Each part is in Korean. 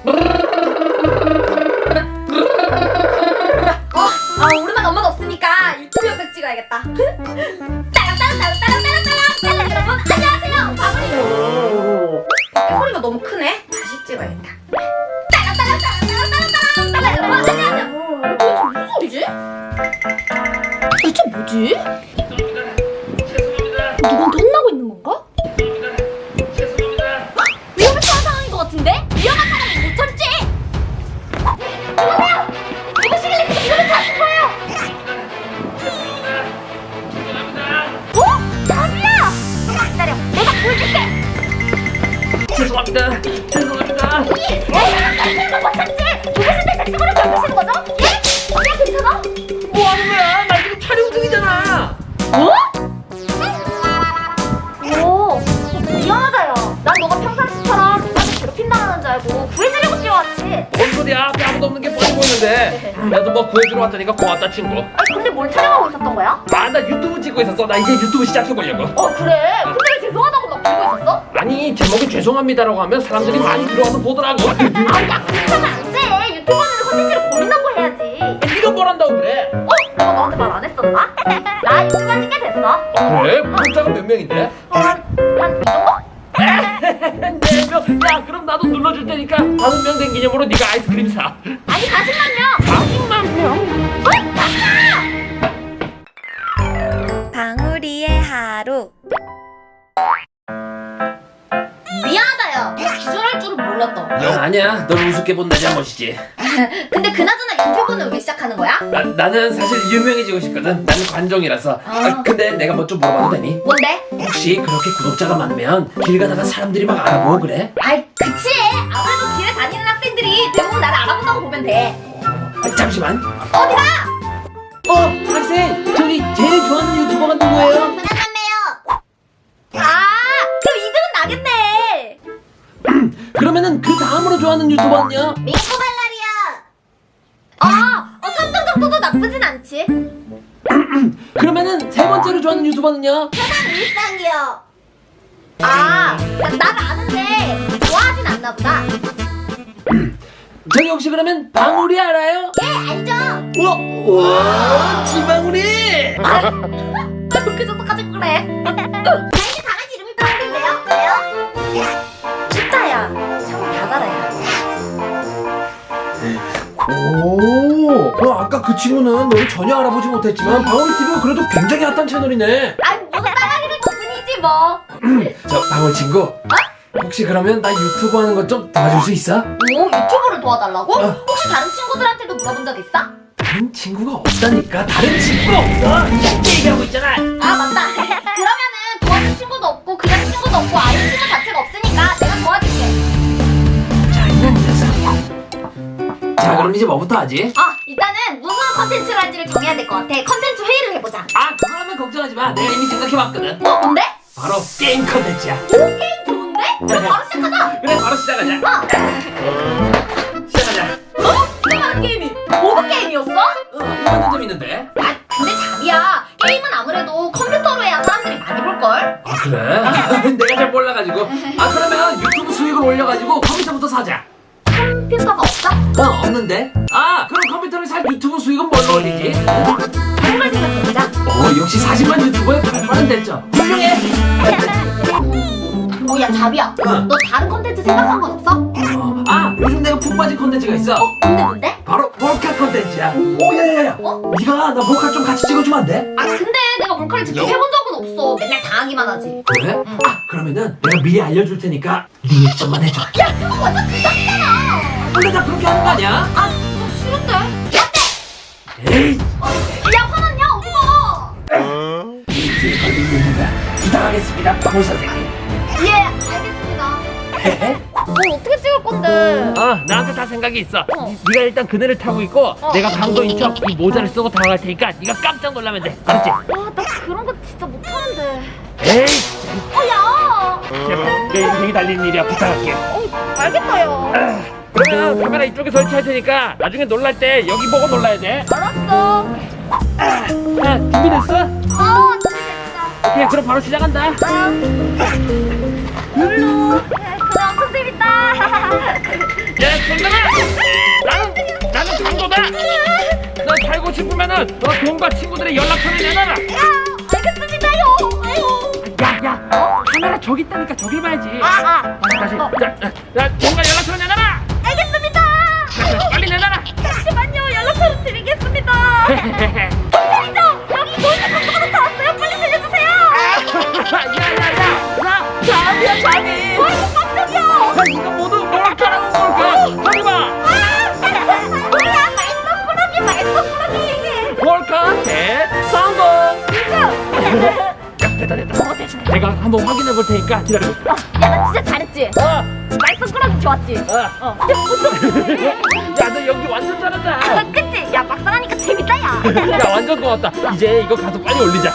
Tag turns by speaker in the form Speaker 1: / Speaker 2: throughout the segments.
Speaker 1: 오랜만에 엄마가 없으니까 유튜브 영상 찍어야겠다. 따랑따랑따랑따랑따랑따랑 여러분 안녕하세요, 방울이에요. 소리가 너무 크네. 다시 찍어야겠다. 따랑따랑따랑따랑따랑 여러분 안녕하세요. 도대체 무슨 소리지? 대체 뭐지? 누구한테 혼나고 있는 건가? 위험에 처한 상황인 것 같은데? 위험한 사람은 못 참지! 여보세요! 누구시길래 지금 이러면 찾은 거예요? 어? 자비야! 기다려, 내가 보여줄게!
Speaker 2: 죄송합니다.
Speaker 1: 에이, 못 참지! 누구신데 제 친구를 괴롭히시는 거죠? 예? 그냥 괜찮아?
Speaker 2: 뭐 하는 거야? 나 지금 촬영 중이잖아.
Speaker 1: 오, 미안하다 야. 난 너가 평상시처럼 누구한테 괴롭힌다는 줄 알고 구해주려고 뛰어왔지.
Speaker 2: 뭔 소리야? 앞에 아무도 없는 게 뻔히 보이는데. 나도 뭐 구해주러 왔다니까 고맙다 친구.
Speaker 1: 아니 근데 뭘 촬영하고 있었던 거야?
Speaker 2: 아, 나 유튜브 찍고 있었어. 나 이제 유튜브 시작해보려고.
Speaker 1: 그래? 근데 왜 죄송하다고 막 부르고 있었어?
Speaker 2: 아니, 제목이 죄송합니다라고 하면 사람들이 많이 들어와서 보더라고.
Speaker 1: 야 그렇게 하면 안 돼. 유튜버는 컨텐츠를 고민하고 해야지.
Speaker 2: 네가 뭘 한다고 그래?
Speaker 1: 내가 너한테 말 안 했었나? 나 유튜브 한지 꽤 됐어.
Speaker 2: 그래? 구독자가 몇 명인데?
Speaker 1: 한이 정도?
Speaker 2: 4명? 야, 그럼 나도 눌러줄 테니까 5명 된 기념으로 네가 아이스크림 사.
Speaker 1: 아니 40만 명.
Speaker 2: 40만 명?
Speaker 3: 방울이의 하루.
Speaker 1: 미안하다 야. 기절할 줄은 몰랐다.
Speaker 2: 아니야, 널 우습게 본 내 잘못이지.
Speaker 1: 근데 그나저나 유튜브는 왜 시작하는 거야?
Speaker 2: 나는 사실 유명해지고 싶거든. 나는 관종이라서. 근데 내가 뭐 좀 물어봐도 되니?
Speaker 1: 뭔데?
Speaker 2: 혹시 그렇게 구독자가 많으면 길 가다가 사람들이 막 알아보고 그래?
Speaker 1: 아이 그치. 아무래도 길에 다니는 학생들이 대부분 나를 알아본다고 보면 돼.
Speaker 2: 잠시만.
Speaker 1: 어디가?
Speaker 2: 학생! 저기 제일 좋아하는 유튜버가 누구예요?
Speaker 1: 그럼 2등은 나겠네.
Speaker 2: 그러면은 그 다음으로 좋아하는 유튜버는요?
Speaker 1: 민코 발랄이야. 3등 정도도 나쁘진 않지.
Speaker 2: 그러면은 세 번째로 좋아하는 유튜버는요?
Speaker 1: 편한 일상이요. 난 아는데 좋아하진 않나 보다.
Speaker 2: 저기 혹시 그러면 방울이 알아요?
Speaker 1: 예, 알죠?
Speaker 2: 우와, 지방울이!
Speaker 1: 그 정도까지 그래. 저희 강아지 이름이 방울인데요. 왜요? 진짜야. 참 다달아요.
Speaker 2: 오, 아까 그 친구는 너를 전혀 알아보지 못했지만 방울이 TV가 그래도 굉장히 핫한 채널이네.
Speaker 1: 무슨 따라기를 덕분이지 뭐.
Speaker 2: 저 방울 친구, 혹시 그러면 나 유튜브 하는 것 좀 도와줄 수 있어?
Speaker 1: 유튜브를 도와달라고? 혹시 다른 친구들한테도 물어본 적 있어?
Speaker 2: 다른 친구가 없다니까. 다른 친구가 없어. 이렇게 얘기하고 있잖아.
Speaker 1: 맞다. 그러면은 도와줄 친구도 없고 그냥 친구도 없고 아예 친구 자체가 없으니까 내가 도와줄게.
Speaker 2: 장난 녀석. 자, 그럼 이제 뭐부터 하지?
Speaker 1: 일단은 무슨 컨텐츠를 할지를 정해야 될 것 같아. 컨텐츠 회의를 해보자.
Speaker 2: 그거 하면 걱정하지 마. 내가 이미 생각해봤거든.
Speaker 1: 뭔데?
Speaker 2: 바로 게임 컨텐츠야.
Speaker 1: 게임 좋은데? 그럼 바로 시작하자.
Speaker 2: 그래, 바로 시작하자. 시작하자.
Speaker 1: 내가 하는 게임이 보드 게임이었어?
Speaker 2: 이거 완전 재밌는데?
Speaker 1: 근데 자비야, 게임은 아무래도 컴퓨터로 해야 사람들이 많이 볼걸?
Speaker 2: 그래? 내가 잘 몰라가지고. 그러면 유튜브 수익을 올려가지고 컴퓨터부터 사자.
Speaker 1: 컴퓨터가 없어?
Speaker 2: 없는데? 그럼 컴퓨터를 살 유튜브 수익은 뭘로 올리지?
Speaker 1: 다른 걸 생각해보자.
Speaker 2: 역시 40만 유튜버의 발빠른 됐죠. 훌륭해.
Speaker 1: 야 자비야, 너 다른 컨텐츠 생각한 건 없어?
Speaker 2: 요즘 내가 푹 빠진 컨텐츠가 있어.
Speaker 1: 뭔데?
Speaker 2: 바로 몰카 컨텐츠야. 야야야. 네가 나 몰카 좀 같이 찍어주면 안 돼?
Speaker 1: 근데 내가 몰카를 직접 해본 적은 없어. 맨날 당하기만 하지.
Speaker 2: 그래? 그러면은 내가 미리 알려줄 테니까 리액션만 해줘.
Speaker 1: 야, 그거 완전 부담이잖아.
Speaker 2: 원래 다 그렇게 하는 거 아니야?
Speaker 1: 그거 싫은데. 어때?
Speaker 2: 에이.
Speaker 1: 야, 화났냐? 어디가?
Speaker 2: 이틀 걸린 일이다. 부탁하겠습니다, 방울 선생님.
Speaker 1: 예, 알겠습니다. 뭐 어떻게 찍을 건데?
Speaker 2: 나한테 다 생각이 있어. 네가 일단 그네를 타고 있고 내가 강도인 척 이 모자를 쓰고 다가갈 테니까 네가 깜짝 놀라면 돼. 알았지?
Speaker 1: 나 그런 거 진짜 못하는데.
Speaker 2: 에이.
Speaker 1: 야.
Speaker 2: 제발 내 인생이 달린 일이야. 부탁할게.
Speaker 1: 알겠다, 야.
Speaker 2: 그러면 카메라 이쪽에 설치할 테니까 나중에 놀랄 때 여기 보고 놀라야 돼.
Speaker 1: 알았어.
Speaker 2: 준비됐어?
Speaker 1: 준비됐어.
Speaker 2: 오케이, 그럼 바로 시작한다.
Speaker 1: 그래, 엄청 재밌다.
Speaker 2: 야, 손들어! 나는 강도다! 너 살고 싶으면은 너 돈과 친구들의 연락처를 내놔라!
Speaker 1: 알겠습니다요.
Speaker 2: 야, 카메라 저기 있다니까 저길 봐야지. 다시. 자, 돈과 연락처를 내놔라!
Speaker 1: 알겠습니다.
Speaker 2: 자, 빨리 내놔라!
Speaker 1: 잠시만요. 연락처를 드리겠습니다. 경찰이죠? 여기 모이는 강도가 다 왔어요. 빨리 들려주세요.
Speaker 2: 야, 잠이야, 잠이!
Speaker 1: 어이구 깜짝이야.
Speaker 2: 야, 이거 모두 뭘까라고 뭘까? 저기 봐!
Speaker 1: 뭐야 말썽꾸러기.
Speaker 2: 뭘까? 대성공! 야, 됐다. 내가 한번 확인해 볼 테니까 기다려.
Speaker 1: 야 나 진짜 잘했지? 말썽꾸러기 좋았지?
Speaker 2: 야, 너 연기 완전 잘한다.
Speaker 1: 그치? 야 막상 하니까 재밌다 야.
Speaker 2: 야, 완전 고맙다. 이제 이거 가서 빨리 올리자.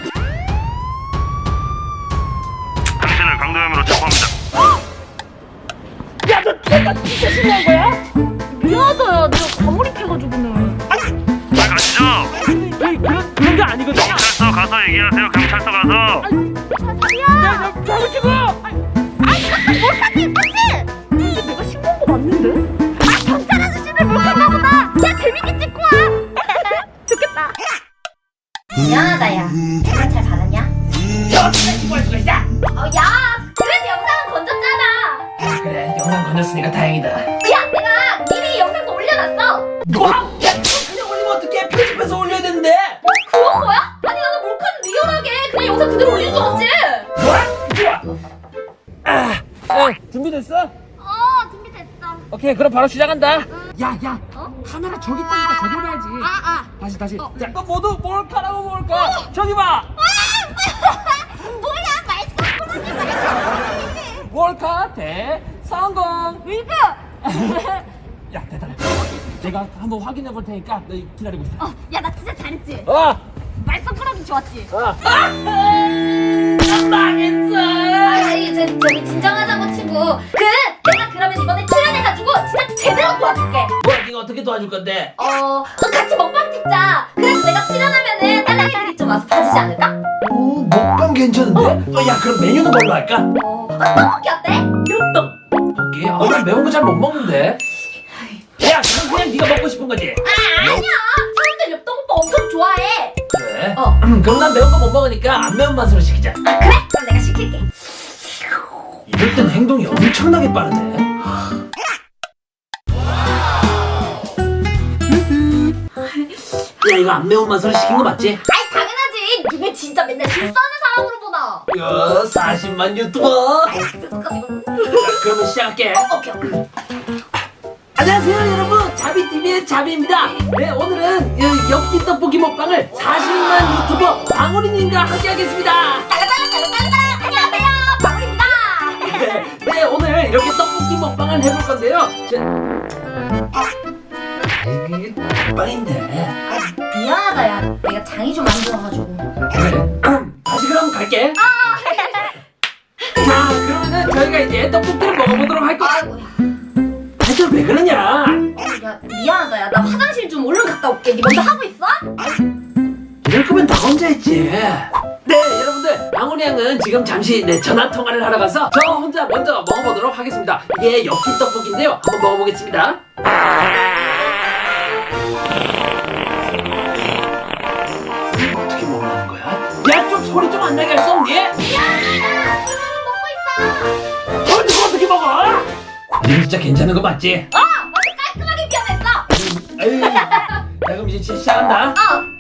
Speaker 3: 당신을 강도혐의로 체포합니다.
Speaker 2: 야, 너 내가 진짜 신고한 거야?
Speaker 1: 미안하다 야 내가 과몰입해가지고는.
Speaker 3: 잘 가시죠.
Speaker 2: 그런 게 아니거든.
Speaker 3: 경찰서 가서 얘기하세요. 경찰서 가서.
Speaker 1: 자리야.
Speaker 2: 잡으시고.
Speaker 1: 몰카지 맞지? 근데 내가 신고한 거 맞는데? 경찰 아저씨들 몰카인가 보다. 야 재밌게 찍고 와. 좋겠다. 미안하다 야. 내가 잘 받았냐?
Speaker 2: 너 진짜 신고할 수가 있어?
Speaker 1: 야 그래도 영상은 건졌잖아.
Speaker 2: 그래, 영상 건졌으니까 다행이다.
Speaker 1: 야 내가 미리 영상도 올려놨어.
Speaker 2: 뭐? 야, 그냥 올리면 어떡해? 편집해서 올려야 되는데.
Speaker 1: 그런 거야? 아니 나는 몰카는 리얼하게 그냥 영상 그대로 올리는 줄 알았지.
Speaker 2: 좋아. 준비됐어?
Speaker 1: 준비됐어.
Speaker 2: 오케이, 그럼 바로 시작한다. 야,
Speaker 1: 어?
Speaker 2: 카메라 저기 있다니까 저기 봐야지. 다시.
Speaker 1: 어.
Speaker 2: 자, 너 모두 뭘까라고 뭘까? 저기 봐.
Speaker 1: 뭐야 말썽꾸러기.
Speaker 2: 몰카 대성공.
Speaker 1: 밀크.
Speaker 2: 야, 대단해. 내가 한번 확인해 볼 테니까 너 기다리고 있어.
Speaker 1: 야 나 진짜 잘했지? 말썽꾸러기 좋았지?
Speaker 2: 망했어.
Speaker 1: 저기 진정하자고 친구. 내가 그러면 이번에 출연해가지고 진짜 제대로 도와줄게.
Speaker 2: 뭐야, 네가 어떻게 도와줄 건데?
Speaker 1: 같이 먹방 찍자. 그래서 내가 출연하면은 딸랑이들이 좀 와서 봐주지 않을까?
Speaker 2: 먹방 괜찮은데? 야, 그럼 메뉴는 뭘로 할까?
Speaker 1: 떡볶이 어때?
Speaker 2: 떡볶이? 난 매운 거 잘 못 먹는데. 야, 그냥 네가 먹고 싶은 거지?
Speaker 1: 아니야. 사람들 엽떡오빠 엄청 좋아해.
Speaker 2: 그래? 그럼 난 매운 거 못 먹으니까 안 매운 맛으로 시키자.
Speaker 1: 그래? 그럼 내가 시킬게.
Speaker 2: 이럴 땐 행동이 엄청나게 빠르네. 야, 이거 안 매운 맛으로 시킨 거 맞지?
Speaker 1: 아이 당연하지. 니네 진짜 맨날 실수하는 사람으로 보나.
Speaker 2: 야, 40만 유튜버. 자, 그러면 시작할게.
Speaker 1: 오케이.
Speaker 2: 안녕하세요, 여러분. 자비TV의 자비입니다. 네, 오늘은 엽기 떡볶이 먹방을 40만 유튜버 방울이님과 함께 하겠습니다.
Speaker 1: 안녕하세요. 방울입니다.
Speaker 2: 네, 오늘 이렇게 떡볶이 먹방을 해볼 건데요. 이게 빵인데.
Speaker 1: 미안하다 야. 내가 장이 좀 안 좋아가지고.
Speaker 2: 그래. 다시 그럼 갈게. 자, 그러면은 저희가 이제 떡볶이를 먹어보도록 할 거야.
Speaker 1: 아이고.
Speaker 2: 대체 왜 그러냐?
Speaker 1: 야 미안하다 야. 나 화장실 좀 얼른 갔다 올게. 니 먼저 하고 있어?
Speaker 2: 이럴 거면 나 혼자 했지. 네, 여러분들, 방울이 양은 지금 잠시 전화 통화를 하러 가서 저 혼자 먼저 먹어보도록 하겠습니다. 이게 엽기 떡볶이인데요. 한번 먹어보겠습니다. 어떻게 먹는 거야? 야, 좀 소리 좀 안 나게 할 수 없니?
Speaker 1: 미안하다. 먹고 있어.
Speaker 2: 어떻게 먹어? 니 진짜 괜찮은 거 맞지?
Speaker 1: 완전 깔끔하게 변했어.
Speaker 2: 아유, 자, 그럼 이제 진짜 시작한다.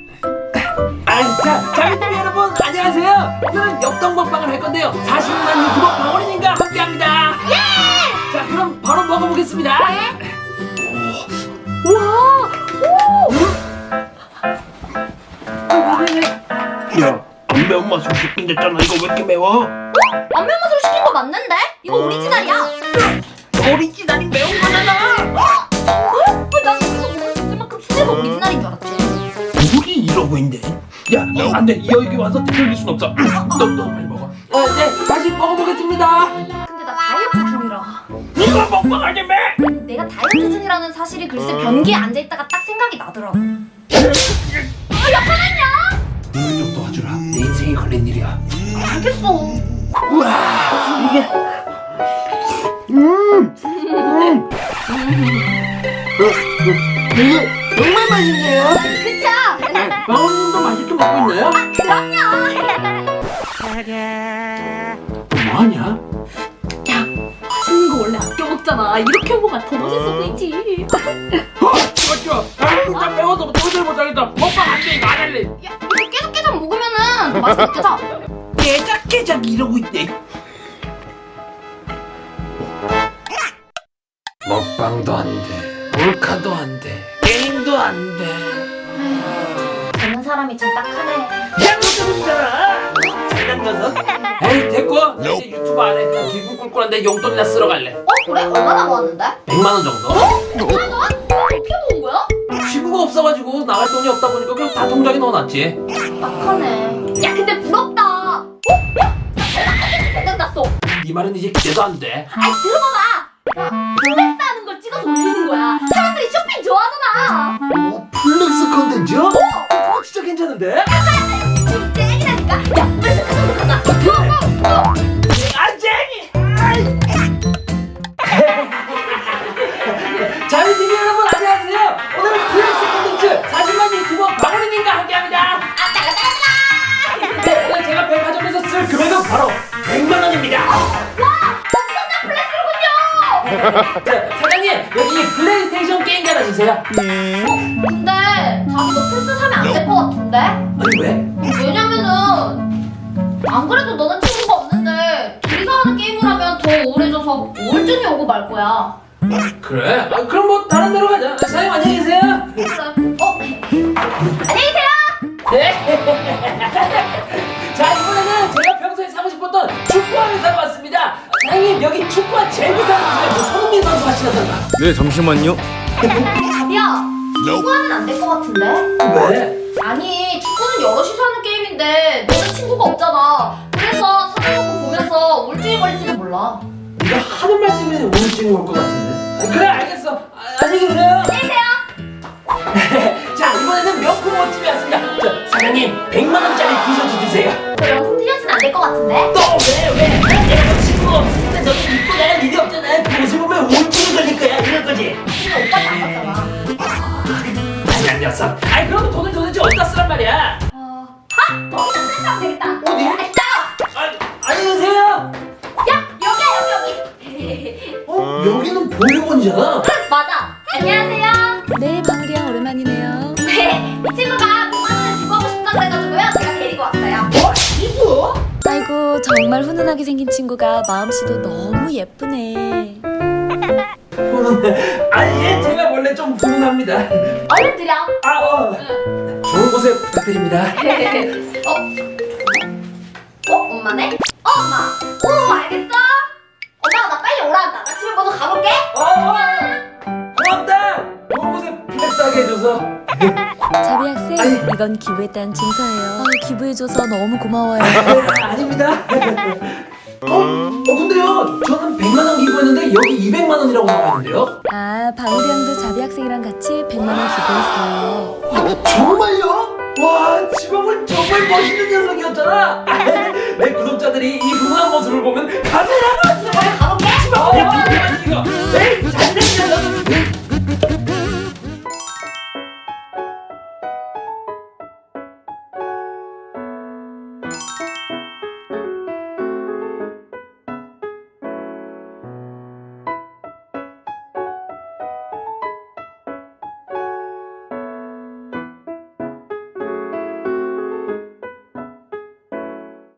Speaker 2: 자, 자비TV 여러분 안녕하세요. 오늘은 엽떡 먹방을 할 건데요. 40만 유튜버 방울이님과 함께합니다. 예! 자, 그럼 바로 먹어보겠습니다. 야, 안 매운 맛으로 시킨댔잖아. 이거 왜 이렇게 매워?
Speaker 1: 안 매운 맛으로 시킨 거 맞는데? 이거 오리지널이야.
Speaker 2: 오리지널이 매운 거잖아.
Speaker 1: 왜 난 이거 먹을 수 있을 만큼 순해서 오리지널인 줄 알았지?
Speaker 2: 우리 이러고 있네. 야, 안 돼. 여기 와서 들릴 순 없어. 너 빨리 먹어. 네, 다시 먹어보겠습니다.
Speaker 1: 근데 나 다이어트 중이라.
Speaker 2: 이거 먹방하지 매.
Speaker 1: 내가 다이어트 중이라는 사실이 글쎄 변기에 앉아있다가 딱 생각이 나더라고. 야 화났냐?
Speaker 2: 이걸 좀 도와주라. 내 인생이 걸린 일이야.
Speaker 1: 알겠어.
Speaker 2: 우와, 이게 이게 정말 맛있네요.
Speaker 1: 그쵸?
Speaker 2: 방울님도 맛있게 먹고 있나요?
Speaker 1: 그럼요.
Speaker 2: 뭐하냐?
Speaker 1: 야, 맛있는 거 원래 아껴 먹잖아. 이렇게 먹으면 더 맛있어 보이지.
Speaker 2: 좋아. 나 배워서 도저히 못하겠다. 먹방 안 돼. 이거 안 할래.
Speaker 1: 야, 이거 깨작깨작 먹으면은 더 맛있겠다.
Speaker 2: 깨작깨작 이러고 있대. 먹방도 안 돼. 몰카도 안 돼. 게임도 안 돼.
Speaker 1: 젊은 사람이 제일 딱하네.
Speaker 2: 야, 너 때문이잖아. 잘난 녀석. 에이, 됐고. 나 이제 유튜브 안 해. 그냥 기분 꿀꿀한데 용돈이나 쓰러 갈래.
Speaker 1: 그래? 얼마나 모았는데?
Speaker 2: 100만 원 정도?
Speaker 1: 100만 원? 어떻게 모은 거야?
Speaker 2: 친구가 없어가지고 나갈 돈이 없다 보니까 그냥 다 통장에 넣어놨지.
Speaker 1: 딱하네. 야, 근데 부럽다. 야, 나 대박하게 생각났어.
Speaker 2: 네 말은 이제 기대도 안 돼.
Speaker 1: 아이, 들어봐봐. 플렉스 하는 걸 찍어서 올리는 거야. 사람들이 쇼핑 좋아하잖아.
Speaker 2: 오, 플렉스 컨텐츠? 진짜 괜찮은데?
Speaker 1: 지금 짱이라니까. 야, 플렉스 가자, 가자.
Speaker 2: 아, 쟁이! 자유TV 여러분 안녕하세요. 오늘은 플렉스 컨텐츠 40만 유튜버 박원희님과 함께합니다. 네, 오늘 제가 백화점에서 쓸 금액은 바로 100만 원입니다. 자, 사장님 여기 플레이스테이션 게임기 하나 주세요.
Speaker 1: 근데 자기 너 플스 사면 안 될 것 같은데?
Speaker 2: 아니 왜?
Speaker 1: 왜냐면은 안 그래도 너는 친구가 없는데 둘이서 하는 게임을 하면 더 우울해져서 우울증이 오고 말 거야.
Speaker 2: 그래? 아, 그럼 뭐 다른 데로 가자. 사장님 안녕히 계세요.
Speaker 1: 그래. 안녕히 계세요.
Speaker 2: 자, 이번에는 제가 평소에 사고 싶었던 축구화를 사러 왔습니다. 사장님 여기 축구화 제일 비싼 거 손흥민 선수 하시나잖아.
Speaker 4: 네, 잠시만요.
Speaker 1: 자비야, 축구하면 안 될 것 같은데?
Speaker 2: 왜?
Speaker 1: 아니, 축구는 여럿이서 하는 게임인데 너는 친구가 없잖아. 그래서 사는 거 보면서 우울증에 걸릴지도 몰라.
Speaker 2: 네가 하는 말씀에 우울증이 올 것 같은데. 아, 그래 알겠어. 안녕히 계세요.
Speaker 1: 안녕히 계세요.
Speaker 2: 자, 이번에는 명품 옷집에 왔습니다. 저, 사장님 100만 원짜리 티셔츠 주세요.
Speaker 1: 너 명품 티셔츠는 안 될 것 같은데?
Speaker 2: 또 왜? 내가 친구가 없으니까 너는 입고 나갈 일이 없잖아. 그 옷을 보면 우울증이 걸릴 거야. 이럴 거지.
Speaker 1: 근데 오빠는 안 봤잖아.
Speaker 2: 아니 녀석. 아니 그러면 돈을 도대체 어디다 쓰란 말이야?
Speaker 1: 거기다 플렉스하면 되겠다.
Speaker 2: 어디?
Speaker 1: 따라와.
Speaker 2: 안녕히 계세요.
Speaker 1: 야, 여기야, 여기.
Speaker 2: 여기는 보육원이잖아.
Speaker 1: 맞아. 안녕하세요.
Speaker 5: 네, 방울이야 오랜만이네요.
Speaker 1: 네, 이 친구가 5만 원을 주고 하고 싶다 그래가지고요. 제가 데리고 왔어요.
Speaker 2: 이거?
Speaker 5: 아이고 정말 훈훈하게 생긴 친구가 마음씨도 너무 예쁘네.
Speaker 2: 아니 얘 제가 원래 좀 훈훈합니다.
Speaker 1: 얼른 드려.
Speaker 2: 좋은 곳에 부탁드립니다.
Speaker 1: 엄마네? 엄마. 오, 알겠어. 엄마가 나 빨리 오란다. 나 집에 먼저 가볼게.
Speaker 2: 고맙다. 좋은 곳에 플렉스하게 해줘서.
Speaker 5: 자비 학생,
Speaker 2: 아니.
Speaker 5: 이건 기부했다는 증서예요. 기부해줘서 너무 고마워요.
Speaker 2: 아닙니다. 근데요, 저는 100만 원 기부했는데 여기 200만 원이라고 나와 있는데요.
Speaker 5: 아, 방울이 형도 자비 학생이랑 같이 100만 원 기부했어요.
Speaker 2: 정말요? 와, 지범은 정말 멋있는 녀석이었잖아. 내 구독자들이 이 훈훈한 모습을 보면 카메라가
Speaker 1: 빨리 가볼게.
Speaker 2: 이거. 에이, 잘생긴 녀석.